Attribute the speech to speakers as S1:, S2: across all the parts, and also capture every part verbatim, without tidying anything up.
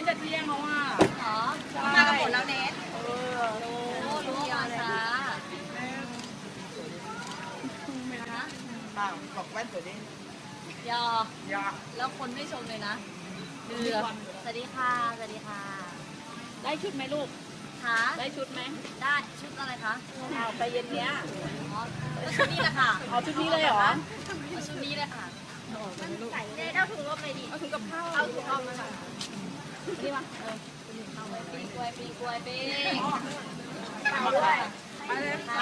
S1: จะเที่ยงแล้วอ่ะ
S2: เหรอมากันหมดแล้วเนทเออรู้รู้มาช้า
S1: บ้างบอกแว่นตัวนี้
S2: ยอยอแล้วคนไม่ชมเลยนะเดือสวัสดีค่ะสวัสดีค่ะ
S3: ได้ชุดไหมลูก
S2: คะ
S3: ได้ชุดไหม
S2: ได้ชุดอะไรคะ
S3: เอาไปเย็นเนี้ย
S2: อ๋อชุดนี้แหละค่ะ
S3: เอาชุดนี้เลยเหรอ
S2: เอาชุดนี้เลยค่ะ
S3: ใส่
S2: เนทเอาถุงลมเลยดิ
S3: เอาถุงกับข้าว
S2: เอาถุงลมมาค่ะ
S3: นี่มา
S2: ปีกล้วยปีกล้วยปี
S1: ไปเลยไป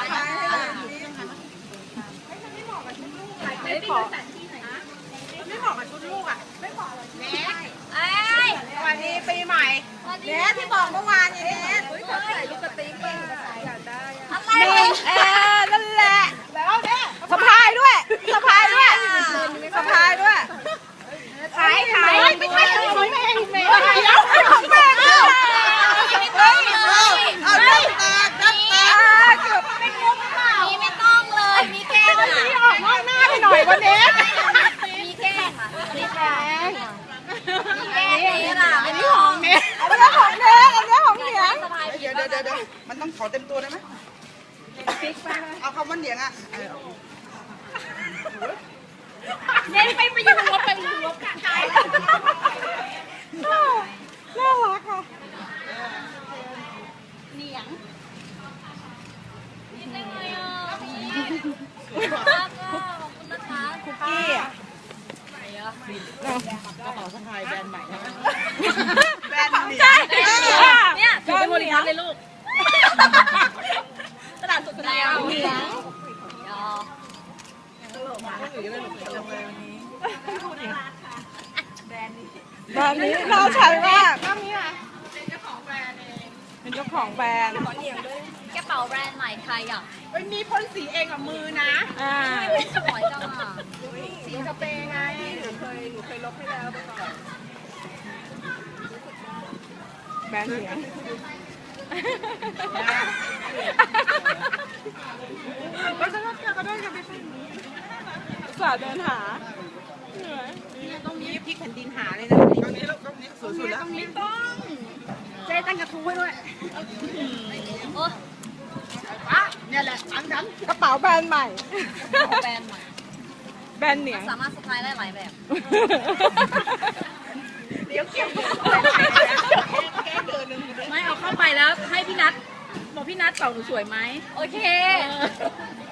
S3: ไม่ได้ขอ
S1: ไม่เหมาะกับชุดลูกอ่ะไม่เหมาะเลยเนท
S2: เอ้ย
S1: วันนี้ปีใหม่เนทที่บอกเมื่อวานนี้เนท
S3: ใส่ลูกกระติ๊บป่ะอยากได้
S2: อะไร
S1: เออนั่นแหละแล้วเนี่ยสะพายด้วยสะพายด้วยสะพายด้วย
S2: ขายขาย
S1: ไม่ใช่ของแม่ของแม่ของแม่
S2: ไม่ต้องเลย
S1: เอาดับแตกดับแตกเกือบเป็นงบเปล่า
S2: มีไม่ต้องเลยมีแค่ค่ะ
S1: มีออกนอกหน้าไปหน่อยวันนี้
S2: มีแค่ค่ะมีแค่มีแค่นี้ล่ะ
S1: อันนี้ของเนทอันนี้ของเนทอันนี้ของเหนียงเดี๋ยวเดี๋ยวเดี๋ยวมันต้องขอเต็มตัวได้ไหมเอาคำว่าเหนียงอ่ะ
S3: เน้นไปไปยืนรถไปยืนรถกะไก่
S1: น่ารักค่ะ
S2: เหนียงนิดนึงเลยอ่ะรักอ่ะขอบคุณนะคะ
S1: คุกกี้อ่ะ
S2: ไหนอ่ะ
S1: กระเป๋าสะพายแบรนด์ใหม่ใช่ไหมแบรนด์เหนียง
S2: เนี่ย
S3: ถือเป็นบริษัทเลยลูกตลาดสดแนว
S2: เหนียงยอ
S1: แบรนด์นี้เราใช้ว่าก็มีอ่ะเป็นเจ้าของแบรนด์เองเป็นเจ้าของแบรนด์ขอเหนียงด้วย
S2: กระเป๋าแบรนด์ใหม่ใครอ่ะ
S1: เอ้ยมีพ่นสีเองกับมือนะ
S3: อ่า
S2: สวยจังอ่ะ
S1: สีสเปรย์ไงหนูเคยหนูเคยลบให้แล้วไปก่อนแบรนด์เหนียงก็จะก็จะก็ได้กันไปสาเดินหาเหนื่อยเนี่ยตรงนี้พลิกแผ่นดินหาเลยนะตรงนี้ตรงนี้สวยสุดแล้วตรงนี้ต้องเจ๊ตั้งกระทู้ไว้ด้วย
S2: โอ้
S1: อ่ะเนี่ยแหละอันนั้นกระเป๋าแบรนด์ใหม่
S2: แบรนด์ใหม่
S1: แบรนด์เหนียง
S2: สามารถสะพายได้หลายแบบ
S1: เดี๋ยวเก็บ
S3: ไม่เอาเข้าไปแล้วให้พี่นัทบอกพี่นัทเป่าหนูสวยไหม
S2: โอเค